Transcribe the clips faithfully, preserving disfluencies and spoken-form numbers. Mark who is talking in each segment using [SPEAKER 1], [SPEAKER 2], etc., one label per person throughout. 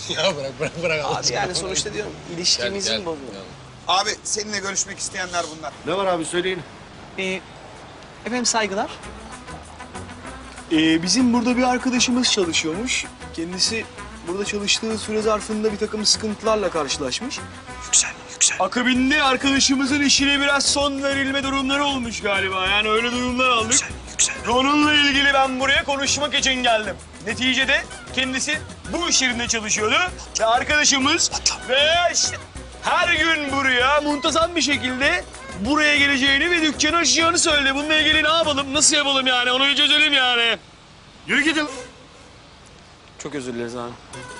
[SPEAKER 1] Ya bırak bırak bırak.
[SPEAKER 2] Abi yani sonuçta diyorum ilişkimizin
[SPEAKER 1] Gel, gel.
[SPEAKER 2] bozuldu.
[SPEAKER 3] Abi seninle görüşmek isteyenler bunlar.
[SPEAKER 4] Ne var abi söyleyin.
[SPEAKER 2] Ee, efendim saygılar. Ee, bizim burada bir arkadaşımız çalışıyormuş. Kendisi burada çalıştığı süre zarfında bir takım sıkıntılarla karşılaşmış.
[SPEAKER 3] Yüksel, yüksel.
[SPEAKER 2] Akabinde arkadaşımızın işine biraz son verilme durumları olmuş galiba. Yani öyle durumlar aldık.
[SPEAKER 3] Yüksel, yüksel.
[SPEAKER 2] Onunla ilgili ben buraya konuşmak için geldim. Neticede kendisi bu iş yerinde çalışıyordu. Ve arkadaşımız ve işte her gün buraya muntazam bir şekilde buraya geleceğini ve dükkanı açacağını söyledi. Bununla ilgili ne yapalım, nasıl yapalım yani onu bir çözelim yani.
[SPEAKER 4] Yürü gidin.
[SPEAKER 2] Çok özür dileriz abi.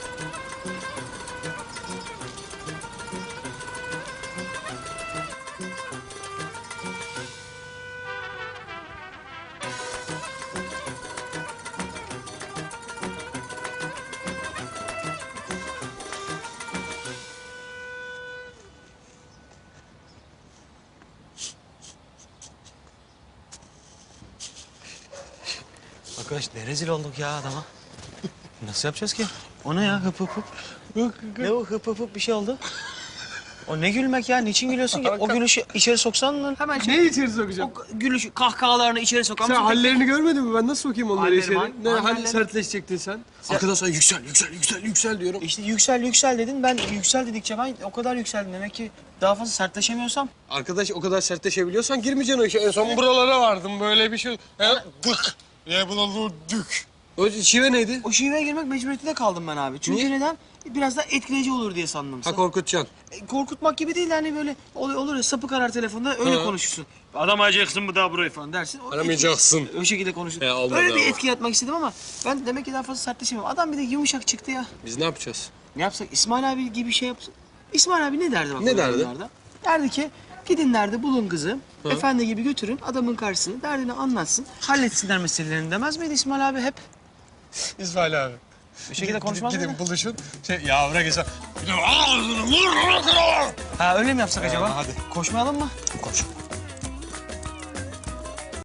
[SPEAKER 5] Arkadaş ne rezil olduk ya adama. Nasıl yapacağız ki? O ne ya hıp hıp hıp? Ne o hıp hıp hıp bir şey oldu? O ne gülmek ya? Niçin gülüyorsun ki? O gülüşü içeri soksan mı? Hemen şey...
[SPEAKER 6] Ne içeri sokacağım?
[SPEAKER 5] O gülüş, kahkahalarını içeri sokan
[SPEAKER 6] Sen
[SPEAKER 5] mısın?
[SPEAKER 6] hallerini görmedin mi? Ben nasıl sokayım onları
[SPEAKER 5] Hallerim,
[SPEAKER 6] içeri?
[SPEAKER 5] hal-
[SPEAKER 6] Ne hal
[SPEAKER 5] hallerim.
[SPEAKER 6] sertleşecektin sen? Arkadaşlar yüksel, yüksel, yüksel, yüksel diyorum.
[SPEAKER 5] İşte yüksel yüksel dedin. Ben yüksel dedikçe ben o kadar yükseldim. Demek ki daha fazla sertleşemiyorsam.
[SPEAKER 6] Arkadaş o kadar sertleşebiliyorsan girmeyeceksin o işe. En son buralara vardım böyle bir şey. He?
[SPEAKER 1] Dık. Ya buna dük.
[SPEAKER 6] O şive neydi?
[SPEAKER 5] O şiveye girmek mecburiyetinde kaldım ben abi. Çünkü
[SPEAKER 6] Niye?
[SPEAKER 5] neden? Biraz daha etkileyici olur diye sandım.
[SPEAKER 6] Ha korkutacaksın.
[SPEAKER 5] E, korkutmak gibi değil hani böyle ol- olur ya sapı karar telefonda öyle
[SPEAKER 6] Hı.
[SPEAKER 5] konuşursun. Aramayacaksın mı daha burayı falan dersin. O
[SPEAKER 6] Aramayacaksın.
[SPEAKER 5] etki- O şekilde konuşursun.
[SPEAKER 6] He, olmadı
[SPEAKER 5] Öyle bir
[SPEAKER 6] ama.
[SPEAKER 5] etki yaratmak istedim ama ben demek ki daha fazla sertleşemiyorum. Adam bir de yumuşak çıktı ya.
[SPEAKER 6] Biz ne yapacağız?
[SPEAKER 5] Ne yapsak? İsmail abi gibi bir şey yapsın. İsmail abi ne derdi bak?
[SPEAKER 6] Ne
[SPEAKER 5] o
[SPEAKER 6] derdi?
[SPEAKER 5] durumlarda? Derdi ki gidin derdi bulun kızı. Efendi gibi götürün adamın karşısına derdini anlatsın. Halletsinler meselelerini demez miydi İsmail abi hep?
[SPEAKER 1] İsmail abi.
[SPEAKER 5] Bir şekilde konuşmaz
[SPEAKER 1] Gidin
[SPEAKER 5] mıydı?
[SPEAKER 1] buluşun. Şey ya bırak İsmail. Bir de ağzını vur.
[SPEAKER 5] Ha öyle mi yapsak acaba?
[SPEAKER 1] hadi.
[SPEAKER 5] Koşmayalım mı?
[SPEAKER 1] Koş.